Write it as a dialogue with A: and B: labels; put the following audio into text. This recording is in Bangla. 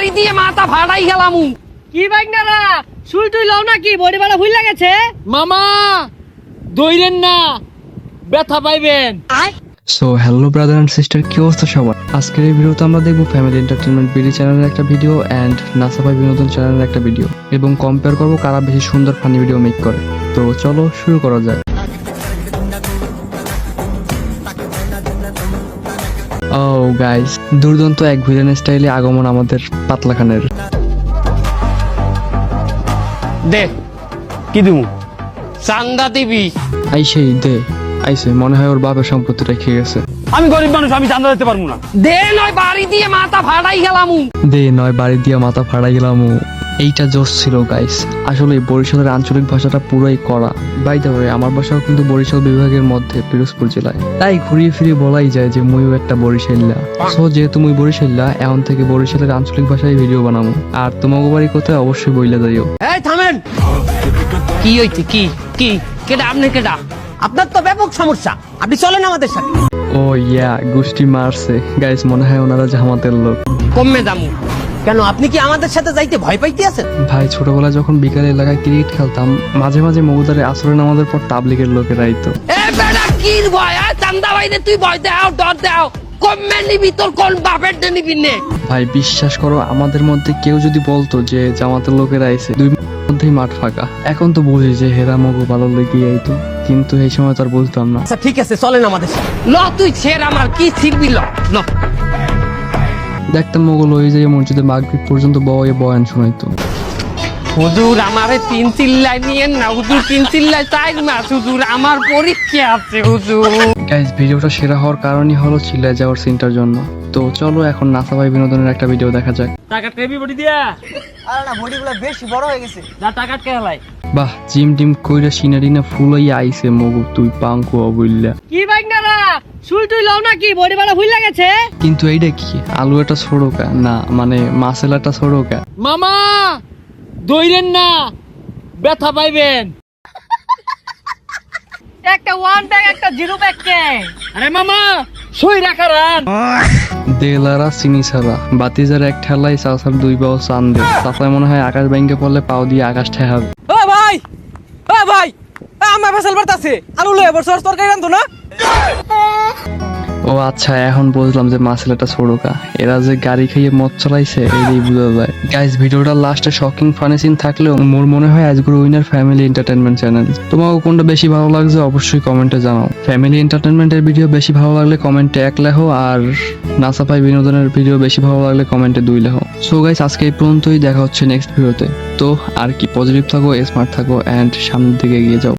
A: বাড়ি দিয়ে মাথা ফাটাই গেলাম।
B: কি বাইকনারা শুই তুই লও নাকি বডি বাড়া ভুল লাগেছে
C: মামা দইরেন না, ব্যথা পাইবেন।
D: So hello brother and sister, কি অবস্থা সবার? আজকের এই ভিডিওতে আমরা দেখবো ফ্যামিলি এন্টারটেনমেন্ট বিডি চ্যানেলের একটা ভিডিও অ্যান্ড নাসাফাই বিনোদন চ্যানেলের একটা ভিডিও, এবং কম্পেয়ার করবো কারা বেশি সুন্দর ফানি ভিডিও মেক করে। তো চলো শুরু করা যাক। ও গাইস, দুর্দান্ত এক ভিলেন স্টাইলে আগমন আমাদের পাতলা খানের।
A: দে কি দিমু? চান্দা দিবি?
D: আইসেই দে, আইসে মনে হয় ওর বাপের সম্পত্তি রেখে গেছে।
C: আমি গরিব মানুষ, আমি চান্দা দিতে পারবো না।
A: দে নয় বাড়ি দিয়ে মাথা ফাটাই গেলাম।
D: দে নয় বাড়ি দিয়ে মাথা ফাড়াই গেলাম। এইটা জোশ ছিল গাইস। আসলে বরিশালের আঞ্চলিক ভাষাটা পুরোই করা। বাই দ্য ওয়ে, আমার বাসাও কিন্তু বরিশাল বিভাগের মধ্যে পিরোজপুর জেলায়, তাই ঘুরিয়ে ফিরিয়ে বলাই যায় যে মুইও একটা বরিশাল্লা। সো যেহেতু মুই বরিশাল্লা, এখন থেকে বরিশালের আঞ্চলিক ভাষায় ভিডিও বানাবো। আর তোমাকে বাড়ি কোথায় অবশ্যই বইলা যাইও।
A: এই থামেন, কি হইছে? কি কি কেডা? আপনি কেডা?
B: আপনার তো ব্যাপক সমস্যা, আপনি চলেন আমাদের সাথে।
D: ও ইয়া, গোষ্ঠী মারছে গাইস, মনে হয় ওনারা জামাতের লোক।
A: কমে দামু।
B: কেন আপনি কি আমাদের সাথে যাইতে ভয় পাইতে আছেন?
D: ভাই ছোটবেলায় যখন বিকালে এলাকায় ক্রিকেট খেলতাম, মাঝে মাঝে মগুদারে আসরে নামাজের পর তাবলিগের লোকেরা আইতো।
A: এ বেটা কি ভয়? চান্দা বাইরে তুই ভয় দাও, ডর দাও। কমে নিবি? তোর কোন বাপের দে নিবি নে?
D: ভাই বিশ্বাস করো, আমাদের মধ্যে কেউ যদি বলতো যে জামাতের লোকেরা আইছে, 2 মিনিটের মধ্যেই মাঠ ফাঁকা। এখন তো বুঝি যে হেরা মগু ভালো লেগে আইতো, কিন্তু এই সময় তো আর বুঝতাম না।
B: আচ্ছা ঠিক আছে, চলেন আমাদের সাথে।
A: ল তুই ছেড় আমার, কি ছিড়বি? ল ল।
D: দেখতাম মোগল ওই যে মসজিদে মাগরিব পর্যন্ত বয়ান শোনাইতো।
A: হুজুর আমারে 3 চিল্লাই নিয়েন না হুজুর, 3 চিল্লাই 4 মাস হুজুর, আমার পরীক্ষা আছে হুজুর।
D: গাইস, ভিডিওটা সেরা হওয়ার কারণই হলো চিল্লায় যাওয়ার সিনটার জন্য। তো চলো এখন নাসাভাই বিনোদনের একটা ভিডিও দেখা যাক।
C: টাকা টেবি বডি দিয়া,
B: আরে না, বডিগুলো বেশি বড় হয়ে গেছে।
C: যা টাকা খেলাই।
D: বাহ, জিম টিম কইরা সিনারিনা ফুলাইয়া আইছে মগু, তুই পাঙ্কু অবইল্লা।
B: কি বাইকনারা শুই তুই লও নাকি বডি বাড়া ভুল লাগেছে?
D: কিন্তু এইটা কি? আলু এটা ছোড়কা না, মানে মাসেলাটা ছোড়কা।
C: মামা দইরেন না, ব্যথা পাইবেন।
B: একটা 1 ব্যাগ একটা 0 ব্যাগ কে?
C: আরে মামা সই রাখারান।
D: দেলারা চিনি ছাড়া বাতিজার এক ঠেলাই চাষার 2 বাও চান্দে, তাছাড়া মনে হয় আকাশ ব্যাংকে পড়লে পাও দিয়ে আকাশ ঠেহাবে।
B: ও ভাই, ও ভাই, আমার ফসল বাড়তাছে, আলু লয়ে বছর তরকারি রান্ধো না?
D: ও আচ্ছা, এখন বুঝলাম যে মাসেলাটা ছোড়কা। এরা যে গাড়ি খাইয়ে মদ চালাইছে এই বোঝা যায়। গাইস, ভিডিওটার লাস্টে শকিং ফানি সিন থাকলেও মোর মনে হয় আজকের উইনার ফ্যামিলি এন্টারটেনমেন্ট চ্যানেল। তোমাকে কোনটা বেশি ভালো লাগছে অবশ্যই কমেন্টে জানাও। ফ্যামিলি এন্টারটেনমেন্টের ভিডিও বেশি ভালো লাগলে কমেন্টে 1 লেখো, আর নাসাফাই বিনোদনের ভিডিও বেশি ভালো লাগলে কমেন্টে 2 লেখো। সো গাইস, আজকে এই পর্যন্তই, দেখা হচ্ছে নেক্সট ভিডিওতে। তো আর কি, পজিটিভ থাকো, স্মার্ট থাকো, অ্যান্ড সামনের দিকে এগিয়ে যাও।